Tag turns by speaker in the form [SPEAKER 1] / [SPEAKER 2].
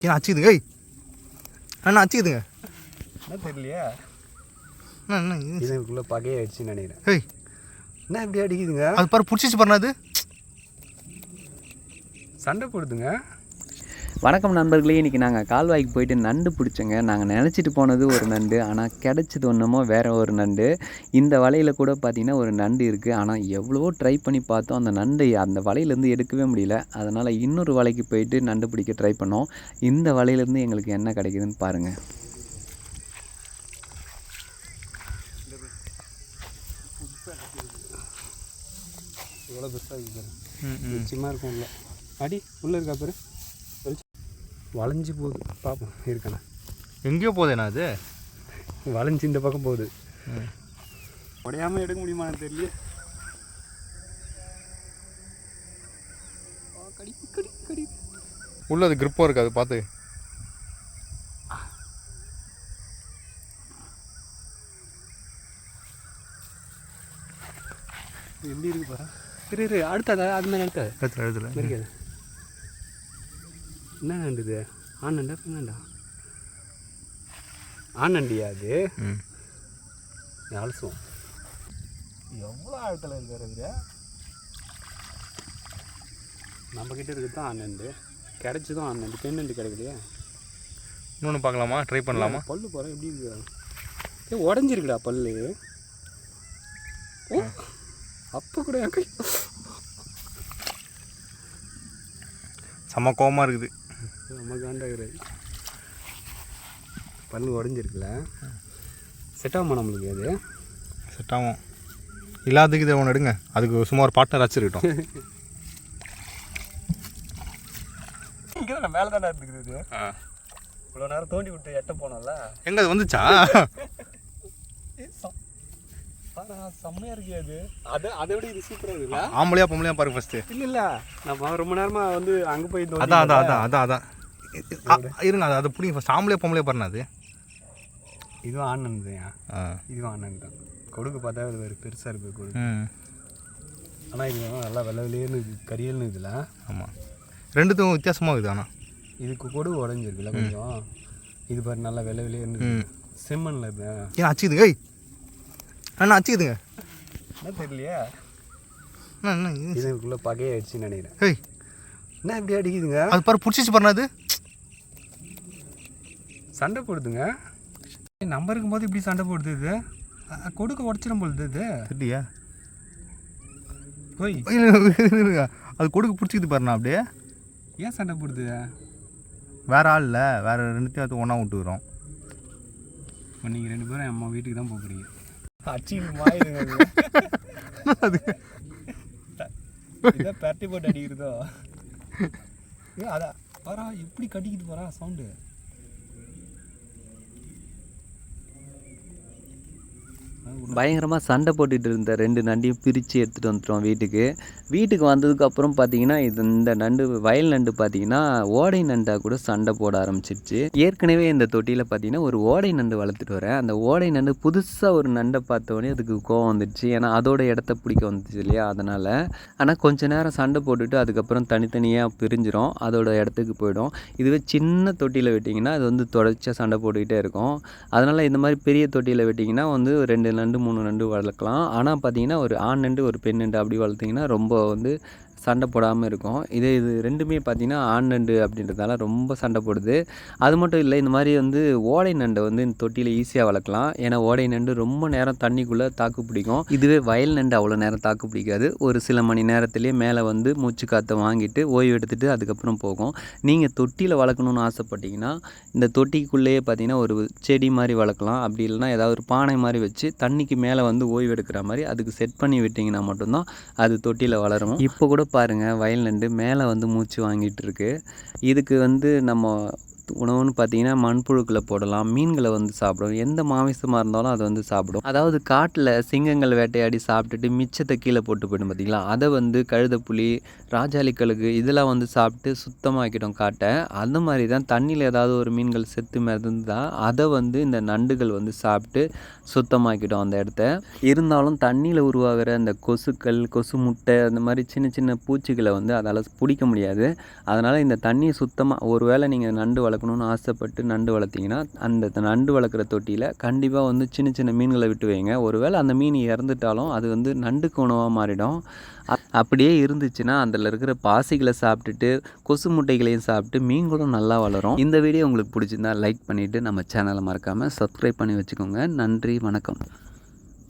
[SPEAKER 1] ஏன் அச்சுக்குதுங்க? அண்ணா அச்சுக்குதுங்க
[SPEAKER 2] என்ன தெரியலையா?
[SPEAKER 1] என்ன
[SPEAKER 2] இதுக்குள்ளே பகையை அடிச்சுன்னு நினைக்கிறேன்.
[SPEAKER 1] ஏய்
[SPEAKER 2] என்ன இப்படி அடிக்குதுங்க?
[SPEAKER 1] அது பாரு பிடிச்சிச்சு பாருண்ணா, அது
[SPEAKER 2] சண்டை போடுதுங்க.
[SPEAKER 3] வணக்கம் நண்பர்களே, இன்றைக்கி நாங்கள் கால்வாய்க்கு போயிட்டு நண்டு பிடிச்சோங்க. நாங்கள் நினச்சிட்டு போனது ஒரு நண்டு, ஆனால் கிடச்சது ஒன்றுமோ வேறு ஒரு நண்டு. இந்த வலையில் கூட பார்த்திங்கன்னா ஒரு நண்டு இருக்குது. ஆனால் எவ்வளவோ ட்ரை பண்ணி பார்த்தோம், அந்த நண்டு அந்த வலையிலேருந்து எடுக்கவே முடியல. அதனால் இன்னொரு வலைக்கு போயிட்டு நண்டு பிடிக்க ட்ரை பண்ணோம். இந்த வலையிலேருந்து எங்களுக்கு என்ன கிடைக்குதுன்னு பாருங்கள்.
[SPEAKER 2] எவ்வளோ பெருசாக இருக்குது, நிச்சயமாக இருக்கும். உள்ள அடி உள்ளே இருக்கா பேர் வளைஞ்சி போகுது. பார்ப்போம் இருக்காண்ணா.
[SPEAKER 1] எங்கேயோ போதேண்ணா அது
[SPEAKER 2] வளைஞ்சி இந்த பக்கம் போகுது. உடையாமல் எடுக்க முடியுமான்னு தெரியல. கடி கடி கடி
[SPEAKER 1] உள்ள அது கிரிப்பாக இருக்குது, அது பார்த்து.
[SPEAKER 2] எப்படி இருக்கு பாரு. இரு அடுத்ததா அது மாதிரி
[SPEAKER 1] எழுத்துல
[SPEAKER 2] இருக்காது. என்ன நண்டு இது? ஆண் நண்டா பெண் நண்டா? ஆண் நண்டியா அது? அலசுவோம். எவ்வளோ ஆழத்தில் இருக்கார் அது? நம்மக்கிட்ட இருக்குது தான் ஆண் நண்டு. கிடைச்சதும் ஆண் நண்டு, பெண் நண்டு கிடைக்கலையா?
[SPEAKER 1] இன்னொன்று பார்க்கலாமா? ட்ரை பண்ணலாமா?
[SPEAKER 2] பல்லு போகிறேன் எப்படி இருக்குது? உடஞ்சிருக்குடா பல்லு. ஓ அப்போ கூட கை
[SPEAKER 1] செம்ம கோவமாக இருக்குது.
[SPEAKER 2] நம்ம காண்டாகிறது. பல்லு உடஞ்சிருக்குல்ல, செட் ஆகுமா நம்மளுக்கு? அது
[SPEAKER 1] செட் ஆகும். இல்லாததுக்கு இதை ஒன்று எடுங்க, அதுக்கு சும்மா ஒரு பார்ட்னர் வச்சுருக்கட்டும்.
[SPEAKER 2] இங்கே தான் மேலே தானே இருந்துக்குது. இவ்வளோ நேரம் தோண்டி விட்டு எட்ட போனோம்ல,
[SPEAKER 1] எங்கே அது வந்துச்சா?
[SPEAKER 2] செம்மையாக இருக்கு அது. அதை விட இது சூப்பராக இருக்குல்ல?
[SPEAKER 1] ஆம்பளையா பொம்பளையா பாருங்க ஃபஸ்ட்டு.
[SPEAKER 2] இல்லை நம்ம ரொம்ப நேரமாக வந்து அங்கே போய்
[SPEAKER 1] அதான் இருங்க, அது பிடிங்க ஃபஸ்ட். ஆம்பளையா பொம்பளையா பாருங்க. அது
[SPEAKER 2] இதுவும் ஆனந்த் தான். இதுவும் ஆனந்த் தான். கொடுக்கு பார்த்தா அது வேறு பெருசாக இருக்குது கொடுக்கு. ஆனால் இது நல்லா வெள்ளை வெளியேன்னு கரியல்னு இதில்.
[SPEAKER 1] ஆமாம், ரெண்டுத்துக்கும் வித்தியாசமாக இருக்குது. ஆனால்
[SPEAKER 2] இதுக்கு கொடுக்கு உடஞ்சிருக்குல்ல கொஞ்சம். இது பாரு நல்லா வெள்ளை வெளியேன்னு செம்மண்ணில் இது.
[SPEAKER 1] ஏன் அச்சுக்குதுங்க? அண்ணா அச்சுக்குதுங்க.
[SPEAKER 2] என்ன தெரியலையா?
[SPEAKER 1] என்ன
[SPEAKER 2] இதுக்குள்ளே பகையை அடிச்சுன்னு நினைக்கிறேன்.
[SPEAKER 1] ஏய்
[SPEAKER 2] என்ன இப்படி அடிக்குதுங்க?
[SPEAKER 1] அது பாரு பிடிச்சிச்சு பாருண்ணா, அது
[SPEAKER 2] சண்டை போடுதுங்க. நம்ம இருக்கும்போது இப்படி சண்டை போடுது. இது கொடுக்க உடச்சிடும் போடுது. இது
[SPEAKER 1] இல்லையா?
[SPEAKER 2] போய்
[SPEAKER 1] அது கொடுக்க பிடிச்சிக்குது பாருண்ணா. அப்படியே
[SPEAKER 2] ஏன் சண்டை போடுது?
[SPEAKER 1] வேற ஆள் இல்லை, வேறு ரெண்டுத்தையும் அது ஒன்றா விட்டுக்கிறோம்.
[SPEAKER 2] இப்போ நீங்கள் ரெண்டு பேரும் அம்மா வீட்டுக்கு தான் போகிறீங்க. அடிச்சுக்கிட்டு மாயிடுங்க. அது இதை பரட்டி போட்டு அடிக்கிறதோ? அதான் வரா எப்படி கட்டிக்கிட்டு போகிறா சவுண்டு.
[SPEAKER 3] பயங்கரமாக சண்டை போட்டுகிட்டு இருந்த ரெண்டு நண்டையும் பிரித்து எடுத்துகிட்டு வந்துட்டோம் வீட்டுக்கு வந்ததுக்கப்புறம் பார்த்தீங்கன்னா இந்த நண்டு வயல் நண்டு பார்த்தீங்கன்னா ஓடை நண்டாக கூட சண்டை போட ஆரம்பிச்சிருச்சு. ஏற்கனவே இந்த தொட்டியில் பார்த்தீங்கன்னா ஒரு ஓடை நண்டு வளர்த்துட்டு வரேன். அந்த ஓடை நண்டு புதுசாக ஒரு நண்டை பார்த்தோடனே அதுக்கு கோவம் வந்துடுச்சு. ஏன்னா அதோட இடத்த பிடிக்க வந்துச்சு இல்லையா, அதனால். ஆனால் கொஞ்சம் நேரம் சண்டை போட்டுட்டு அதுக்கப்புறம் தனித்தனியாக பிரிஞ்சிடும், அதோட இடத்துக்கு போயிடும். இதுவே சின்ன தொட்டியில் விட்டிங்கன்னா அது வந்து தொடர்ச்சியாக சண்டை போட்டுக்கிட்டே இருக்கும். அதனால் இந்த மாதிரி பெரிய தொட்டியில் விட்டிங்கன்னா வந்து 2 நண்டு 3 நண்டு வளர்க்கலாம். ஆனால் பார்த்தீங்கன்னா ஒரு ஆண் நண்டு ஒரு பெண் நண்டு அப்படி வளர்த்திங்கன்னா ரொம்ப வந்து சண்டை போடாமல் இருக்கும். இது ரெண்டுமே பார்த்திங்கன்னா ஆண் நண்டு அப்படின்றதால ரொம்ப சண்டை போடுது. அது மட்டும் இல்லை, இந்த மாதிரி வந்து ஓடை நண்டை வந்து இந்த தொட்டியில் ஈஸியாக வளர்க்கலாம். ஏன்னா ஓடை நண்டு ரொம்ப நேரம் தண்ணிக்குள்ளே தாக்கு பிடிக்கும். இதுவே வயல் நண்டு அவ்வளோ நேரம் தாக்கு பிடிக்காது. ஒரு சில மணி நேரத்துலேயே மேலே வந்து மூச்சு காற்றை வாங்கிட்டு ஓய்வு எடுத்துகிட்டு அதுக்கப்புறம் போகும். நீங்கள் தொட்டியில் வளர்க்கணுன்னு ஆசைப்பட்டீங்கன்னா இந்த தொட்டிக்குள்ளேயே பார்த்தீங்கன்னா ஒரு செடி மாதிரி வளர்க்கலாம். அப்படி இல்லைனா ஏதாவது ஒரு பானை மாதிரி வச்சு தண்ணிக்கு மேலே வந்து ஓய்வு எடுக்கிற மாதிரி அதுக்கு செட் பண்ணி விட்டிங்கன்னா மட்டும்தான் அது தொட்டியில் வளரும். இப்போ கூட பாருங்கள், வயல் நண்டு மேலே வந்து மூச்சு வாங்கிட்டு இருக்கு. இதுக்கு வந்து நம்ம உணவுன்னு பார்த்தீங்கன்னா மண்புழுக்களை போடலாம், மீன்களை வந்து சாப்பிடும், எந்த மாமிசமாக இருந்தாலும் அதை வந்து சாப்பிடும். அதாவது காட்டில் சிங்கங்கள் வேட்டையாடி சாப்பிட்டுட்டு மிச்சத்தை கீழே போட்டு போயிடும் பார்த்தீங்களா, அதை வந்து கழுதைப்புலி, ராஜாளி கழுகு இதெல்லாம் வந்து சாப்பிட்டு சுத்தமாக்கிடும் காட்டை. அந்த மாதிரி தான் தண்ணியில் ஏதாவது ஒரு மீன்கள் செத்து மிதந்தால் அதை வந்து இந்த நண்டுகள் வந்து சாப்பிட்டு சுத்தமாக்கிடும் அந்த இடத்த. இருந்தாலும் தண்ணியில் உருவாகிற அந்த கொசுக்கள், கொசு முட்டை அந்த மாதிரி சின்ன சின்ன பூச்சிகளை வந்து அதால் பிடிக்க முடியாது. அதனால் இந்த தண்ணியை சுத்தமாக ஒரு வேளை நீங்கள் நண்டு வளர்க்கணுன்னு ஆசைப்பட்டு நண்டு வளர்த்திங்கன்னா அந்த நண்டு வளர்க்குற தொட்டியில் கண்டிப்பாக வந்து சின்ன சின்ன மீன்களை விட்டு வைங்க. ஒரு வேளை அந்த மீன் இறந்துட்டாலும் அது வந்து நண்டுக்கு உணவாக மாறிடும். அப்படியே இருந்துச்சுன்னா அதில் இருக்கிற பாசிகளை சாப்பிட்டுட்டு கொசு முட்டைகளையும் சாப்பிட்டு மீன்களும் நல்லா வளரும். இந்த வீடியோ உங்களுக்கு பிடிச்சிருந்தா லைக் பண்ணிவிட்டு நம்ம சேனலை மறக்காமல் சப்ஸ்கிரைப் பண்ணி வச்சுக்கோங்க. நன்றி, வணக்கம்.